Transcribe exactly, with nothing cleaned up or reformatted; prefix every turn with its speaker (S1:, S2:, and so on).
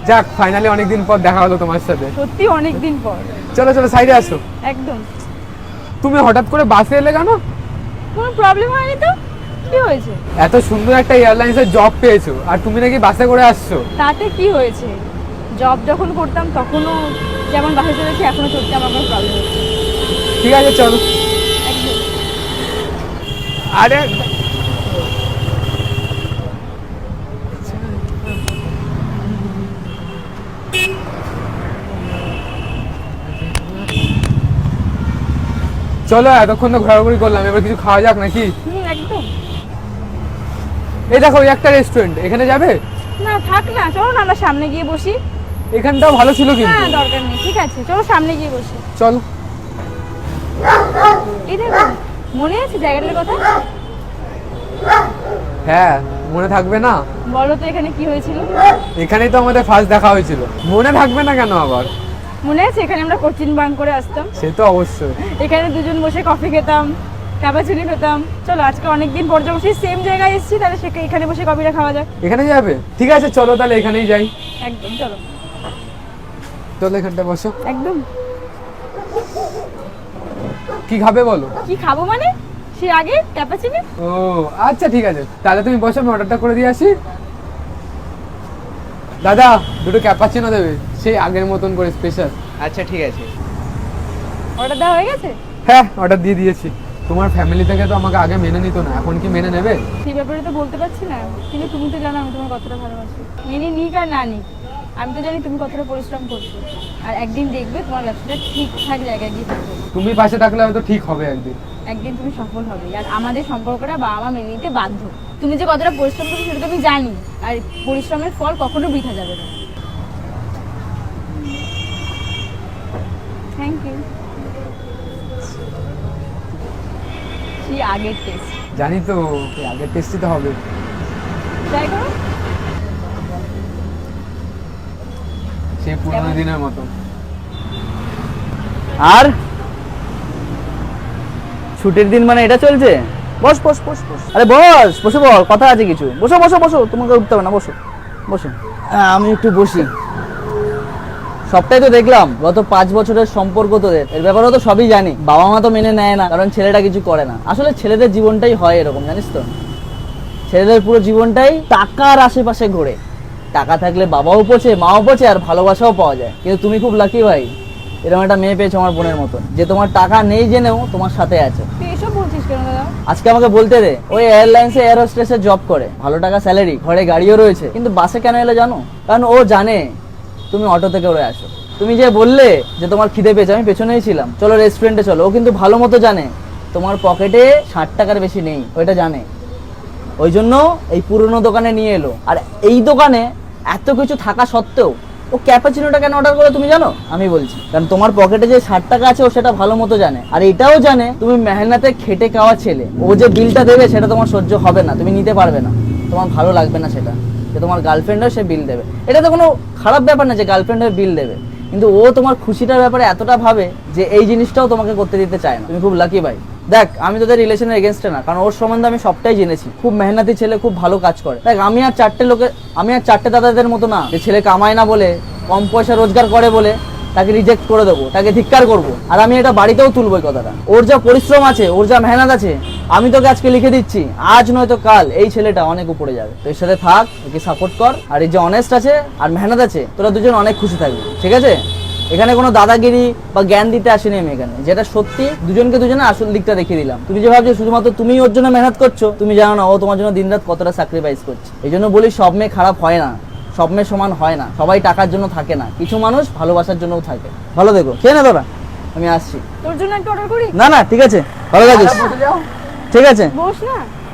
S1: যাক ফাইনালি অনেকদিন পর দেখা হলো তোমার সাথে।
S2: সত্যি অনেকদিন পর।
S1: চলো চলো সাইডে আসো।
S2: একদম।
S1: তুমি হঠাৎ করে বাসে এলে কেন?
S2: কোনো প্রবলেম হয়নি তো? কি হয়েছে?
S1: এত সুন্দর একটা এয়ারলাইন্সের জব পেয়েছো আর তুমি নাকি বাসে করে আসছো।
S2: তাতে কি হয়েছে? জব যখন করতাম তখনও যেমন বাসে চলেছি এখনো চলতে আমার কোনো প্রবলেম হচ্ছে।
S1: ঠিক আছে চলো।
S2: একদম।
S1: আরে চলো এতক্ষণ তো ঘোরাঘুরি করলাম, এবার কিছু খাওয়া যাক নাকি?
S2: হুম একদম।
S1: এই দেখো ওই একটা রেস্টুরেন্ট, এখানে যাবে?
S2: না থাক না, চলো না আমরা সামনে গিয়ে বসি।
S1: এখানটাও ভালো ছিল কিন্তু।
S2: না দরকার নেই, ঠিক আছে চলো সামনে গিয়ে বসি।
S1: চলো।
S2: এই দেখো, মনে আছে জায়গাটার কথা?
S1: হ্যাঁ মনে থাকবে না?
S2: বলো তো এখানে কি হয়েছিল?
S1: এখানেই তো আমাদের ফার্স্ট দেখা হয়েছিল, মনে থাকবে না কেন আবার?
S2: মনে আছে এখানে আমরা কোচিং বাঙ্ক করে আসতাম?
S1: সে তো অবশ্যই।
S2: এখানে দুজন বসে কফি খেতাম, ক্যাপাচিনো খেতাম। চলো আজকে অনেকদিন পর যখন সেই সেম জায়গায় এসেছি তাহলে সেখানে এখানে বসে কফিটা খাওয়া যাক।
S1: এখানে যাবে? ঠিক আছে চলো তাহলে এখানেই যাই।
S2: একদম চলো।
S1: চলো এখানটা বসো।
S2: একদম।
S1: কি খাবে বলো?
S2: কি খাবো মানে? সে আগে ক্যাপাচিনো।
S1: ও আচ্ছা ঠিক আছে, তাহলে তুমি বসো, আমি অর্ডারটা করে দিয়ে আসি। দাদা দুটো ক্যাপাচিনো দেবে, সেই আগের মতন করে স্পেশাল।
S3: আচ্ছা ঠিক আছে।
S2: অর্ডার দেওয়া হয়ে গেছে?
S1: হ্যাঁ অর্ডার দিয়ে দিয়েছি। তোমার ফ্যামিলি থেকে তো আমাকে আগে মেনে নিত না, এখন কি মেনে নেবে?
S2: সেই ব্যাপারে তো বলতে পারছি না, কিন্তু তুমি তো জানো আমি তোমার কতটা ভালোবাসি। মেনে নিক আর না নিক, আমি তো জানি তুমি কতটা পরিশ্রম করছো। আর একদিন দেখবে তোমার ব্যবসাটা ঠিকঠাক জায়গায় গিয়ে থাকবে।
S1: তুমি পাশে থাকলে হয়তো ঠিক হবে একদিন।
S2: একদিন তুমি সফল হবে, আর আমাদের সম্পর্কটা বাবা মা মেনে নিতে বাধ্য। তুমি যে কতটা পরিশ্রম করছো সেটা তো আমি জানি, আর পরিশ্রমের ফল কখনো বৃথা যাবে না। Thank you. সেই আগের টেস্ট
S1: জানি তো, এই আগের টেস্টই তো হবে।
S2: ট্রাই করো।
S1: সেই পুরোনো দিনের মতো।
S3: আর ছুটির দিন মানে এটা চলছে? বস বস বস বস আরে বস, বসে বল, কথা আছে কিছু। বসো বসো বসো, তোমাকে উঠতে হবে না, বসো বসো। হ্যাঁ, আমি একটু বসি। সবটাই তো দেখলাম, গত পাঁচ বছরের সম্পর্ক তোদের, এর ব্যাপারেও তো সবই জানি। বাবা মা তো মেনে নেয় না, কারণ ছেলেটা কিছু করে না। আসলে ছেলেদের জীবনটাই হয় এরকম, জানিস তো। ছেলেদের পুরো জীবনটাই টাকার আশেপাশে ঘোরে। টাকা থাকলে বাবাও পচে, মাও পচে, আর ভালোবাসাও পাওয়া যায়। কিন্তু তুমি খুব লাকি ভাই, এরকম একটা মেয়ে পেয়েছো আমার বোনের মতন, যে তোমার টাকা নেই জেনেও তোমার সাথে আছে।
S2: তুই এসব বলছিস কেন দাদা?
S3: আজকে আমাকে বলতে দে, ওই এয়ারলাইন্সে এয়ার হোস্টেসের জব করে, ভালো টাকা স্যালারি, ঘরে গাড়িও রয়েছে, কিন্তু বাসে কেন এলে জানো? কারণ ও জানে তুমি অটো থেকে উড়ে আসো। তুমি যে বললে যে তোমার খিদে পেয়েছে, আমি পেছনেই ছিলাম, চলো রেস্টুরেন্টে চলো, ও কিন্তু ভালো মতো জানে তোমার পকেটে ষাট টাকার বেশি নেই, ওইটা জানে। ওই জন্য এই পুরনো দোকানে নিয়ে এলো। আর এই দোকানে এত কিছু থাকা সত্ত্বেও ও ক্যাপাচিনোটা কেন অর্ডার করে তুমি জানো? আমি বলছি, কারণ তোমার পকেটে যে ষাট টাকা আছে ও সেটা ভালো মতো জানে। আর এটাও জানে তুমি মেহনতে খেটে খাওয়া ছেলে। ও যে বিলটা দেবে সেটা তোমার সহ্য হবে না, তুমি নিতে পারবে না, তোমার ভালো লাগবে না সেটা, যে তোমার গার্লফ্রেন্ডও সে বিল দেবে। এটা তো কোনো খারাপ ব্যাপার না যে গার্লফ্রেন্ডের বিল দেবে, কিন্তু ও তোমার খুশিটার ব্যাপারে এতটা ভাবে যে এই জিনিসটাও তোমাকে করতে দিতে চায় না। তুমি খুব লাকি ভাই। দেখ, আমি তোদের রিলেশনের এগেনস্টে না, কারণ ওর সম্বন্ধে আমি সবটাই জেনেছি। খুব মেহনতি ছেলে, খুব ভালো কাজ করে। দেখ, আমি আর চারটে লোকের আমি আর চারটে দাদাদের মতো না, যে ছেলে কামায় না বলে, কম পয়সা রোজগার করে বলে তাকে রিজেক্ট করে দেবো, তাকে ধিক্কার করবো। আর আমি এটা বাড়িতেও তুলবো এই কথাটা। ওর যা পরিশ্রম আছে, ওর যা মেহনত আছে, আমি তোকে আজকে লিখে দিচ্ছি, আজ নয়তো কাল এই ছেলেটা অনেক উপরে যাবে। তো এর সাথে থাক, একে সাপোর্ট কর, আর এই যে অনেস্ট আছে আর মেহনত আছে, তোরা দুজন অনেক খুশি থাকবি, ঠিক আছে? এখানে কোনো দাদাগিরি বা জ্ঞান দিতে আসিনি আমি এখানে, যেটা সত্যি দুজনকে দুজনে আসল দিকটা দেখিয়ে দিলাম। তুমি যে ভাবছো শুধুমাত্র তুমি ওর জন্য মেহনত করছো, তুমি জানো না ও তোমার জন্য দিনরাত কতটা স্যাক্রিফাইস করছে। এই জন্য বলি, সব মেয়ে খারাপ হয় না, সব মেয়ে সমান হয় না, সবাই টাকার জন্য থাকে না, কিছু মানুষ ভালোবাসার জন্যও থাকে। ভালো দেখো, খেয়ে না তোরা, আমি আসছি।
S2: তোর জন্য একটা অর্ডার করি?
S3: না না ঠিক আছে, ভালো থাকিস। ঠিক আছে,
S2: বস না।